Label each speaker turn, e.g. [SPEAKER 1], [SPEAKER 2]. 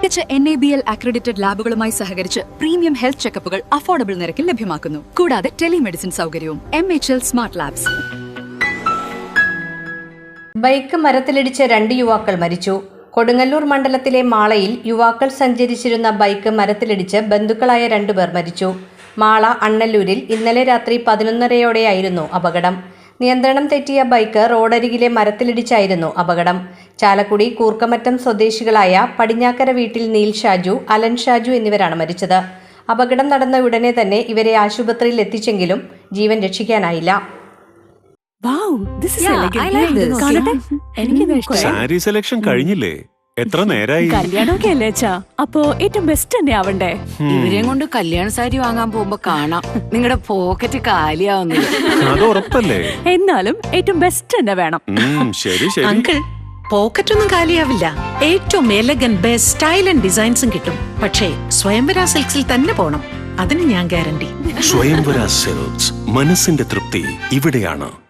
[SPEAKER 1] മികച്ച NABL accredited ലാബുകളുമായി സഹകരിച്ച് premium health ചെക്കപ്പുകൾ affordable നിരക്കിൽ ലഭ്യമാക്കുന്നു. കൂടാതെ ടെലിമെഡിസിൻ സൗകര്യവും. MHL smart labs.
[SPEAKER 2] ബൈക്ക് മരത്തിലിടിച്ച് 2 യുവാക്കൾ മരിച്ചു. കൊടുങ്ങല്ലൂർ മണ്ഡലത്തിലെ മാളയിൽ യുവാക്കൾ സഞ്ചരിച്ചിരുന്ന ബൈക്ക് മരത്തിലിടിച്ച് ബന്ധുക്കളായ 2 പേർ മരിച്ചു. മാള അണ്ണല്ലൂരിൽ ഇന്നലെ രാത്രി 11:30യോടെയായിരുന്നു അപകടം. നിയന്ത്രണം തെറ്റിയ ബൈക്ക് റോഡരികിലെ മരത്തിലിടിച്ചായിരുന്നു അപകടം. ചാലക്കുടി കൂർക്കമറ്റം സ്വദേശികളായ പടിഞ്ഞാക്കര വീട്ടിൽ നീൽ ഷാജു, അലൻ ഷാജു എന്നിവരാണ് മരിച്ചത്. അപകടം നടന്ന ഉടനെ തന്നെ ഇവരെ ആശുപത്രിയിൽ എത്തിച്ചെങ്കിലും ജീവൻ രക്ഷിക്കാനായില്ല.
[SPEAKER 3] സാരി സെലക്ഷൻ കഴിഞ്ഞില്ലേ? എത്ര നേരായി?
[SPEAKER 4] കല്യാണമൊക്കെ അല്ലേ അച്ഛാ, അപ്പോ ഏറ്റവും ബെസ്റ്റ് തന്നെ ആവണ്ടേ?
[SPEAKER 5] ഇവരെയും കൊണ്ട് കല്യാണ സാരി വാങ്ങാൻ പോകുമ്പോ കാണാം നിങ്ങളുടെ പോക്കറ്റ് കാലിയാവുന്നില്ല.
[SPEAKER 3] അത് ഉറപ്പല്ലേ?
[SPEAKER 4] എന്നാലും ഏറ്റവും ബെസ്റ്റ് തന്നെ വേണം.
[SPEAKER 3] ശരി ശരി
[SPEAKER 6] അങ്കിൾ, പോക്കറ്റ് ഒന്നും കാലിയാവില്ല. ഏറ്റവും എലഗൻ ബെസ്റ്റ് സ്റ്റൈൽ ആൻഡ് ഡിസൈൻസും കിട്ടും. പക്ഷേ സ്വയംവര സിൽക്സിൽ തന്നെ പോണം, അതിന് ഞാൻ ഗ്യാരണ്ടി.
[SPEAKER 3] സ്വയംവര സിൽക്സ്, മനസ്സിന്റെ തൃപ്തി ഇവിടെയാണ്.